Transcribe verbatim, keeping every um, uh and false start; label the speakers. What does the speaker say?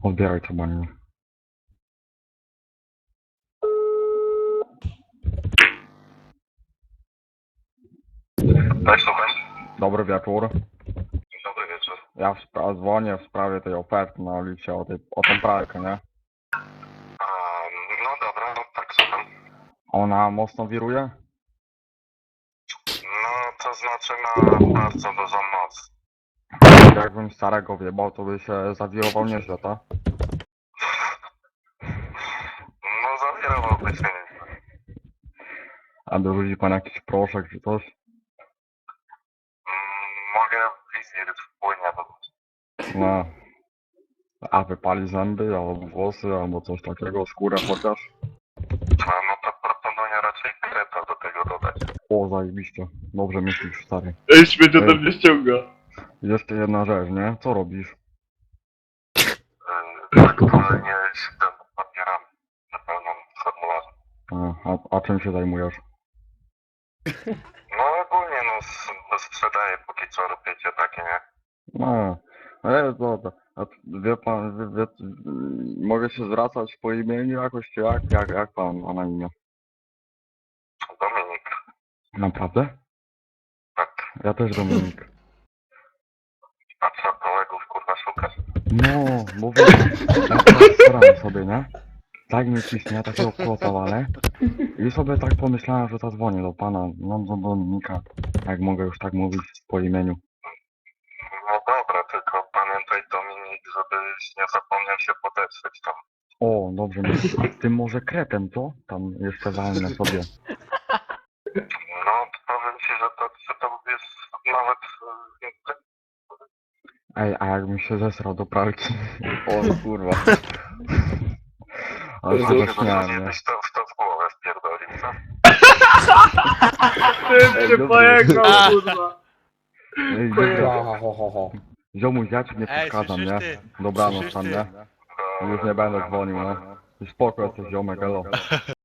Speaker 1: Odbieraj to, Baniu.
Speaker 2: Tak, słucham.
Speaker 1: Dobry wieczór.
Speaker 2: Dobry wieczór.
Speaker 1: Ja w spra- dzwonię w sprawie tej oferty na Olicie, o, tej, o tą pralkę, nie?
Speaker 2: A, no dobra, no tak, słucham.
Speaker 1: Ona mocno wiruje?
Speaker 2: No, to znaczy ma bardzo dużą moc.
Speaker 1: Jakbym starego wjebał, to by się zawirował nieźle, tak?
Speaker 2: No, zawierowałby się nieźle.
Speaker 1: A dorzuci pan jakiś proszek czy coś?
Speaker 2: Mm, mogę wizję wpłynie do...
Speaker 1: No. A wypali zęby, albo włosy, albo coś takiego, skórę chociaż?
Speaker 2: A, no to proponuję raczej kreta do tego dodać.
Speaker 1: O, zajebiście. Dobrze myślisz, stary.
Speaker 3: Ej, śmieć ode
Speaker 1: Ej.
Speaker 3: mnie ściąga.
Speaker 1: Jeszcze jedna rzecz, nie? Co robisz?
Speaker 2: Yy, aktualnie siedzę nad papierami. Wypełniam formularze.
Speaker 1: A, a, a czym się zajmujesz?
Speaker 2: No, ogólnie, no, s- sprzedaję póki co robicie takie, nie?
Speaker 1: No, ale dobra. A wie pan, wie, wie, mogę się zwracać po imieniu jakoś, czy jak? Jak, jak pan ma na imię?
Speaker 2: Dominik.
Speaker 1: Naprawdę?
Speaker 2: Tak.
Speaker 1: Ja też Dominik.
Speaker 2: A co, kolegów, kurwa, szukasz?
Speaker 1: No, mówię, ja teraz staram sobie, nie? Tak mi ciśnie, takiego kłota walę. I sobie tak pomyślałem, że zadzwonię do pana, no do Dominika. Jak mogę już tak mówić po imieniu.
Speaker 2: No dobra, tylko pamiętaj, Dominik, żebyś nie zapomniał się podeszyć tam.
Speaker 1: O, dobrze, myślisz, a tym może kretem, co? Tam jeszcze walnę sobie.
Speaker 2: No, powiem ci, że to, że to jest nawet... e,
Speaker 1: Ej, a jakbym się zesrał do pralki? O kurwa. Ale się
Speaker 2: Chyba,
Speaker 1: zaśmiałem,
Speaker 2: że
Speaker 1: nie?
Speaker 2: byś to, w to w głowę wpierdolił, co?
Speaker 3: Ty
Speaker 1: Ej,
Speaker 3: się
Speaker 1: dobry.
Speaker 3: pojechał, kurwa.
Speaker 1: Ej,
Speaker 3: Pojechał.
Speaker 1: dobra, ho, ho, ho. Ziomuś, ja ci nie
Speaker 4: Ej,
Speaker 1: przeszkadzam,
Speaker 4: słyszysz
Speaker 1: nie?
Speaker 4: ty?
Speaker 1: Dobranoc
Speaker 4: Słyszysz
Speaker 1: tam,
Speaker 4: ty?
Speaker 1: nie? Już nie będę dzwonił, no. Już spoko jesteś, ziomek, elo.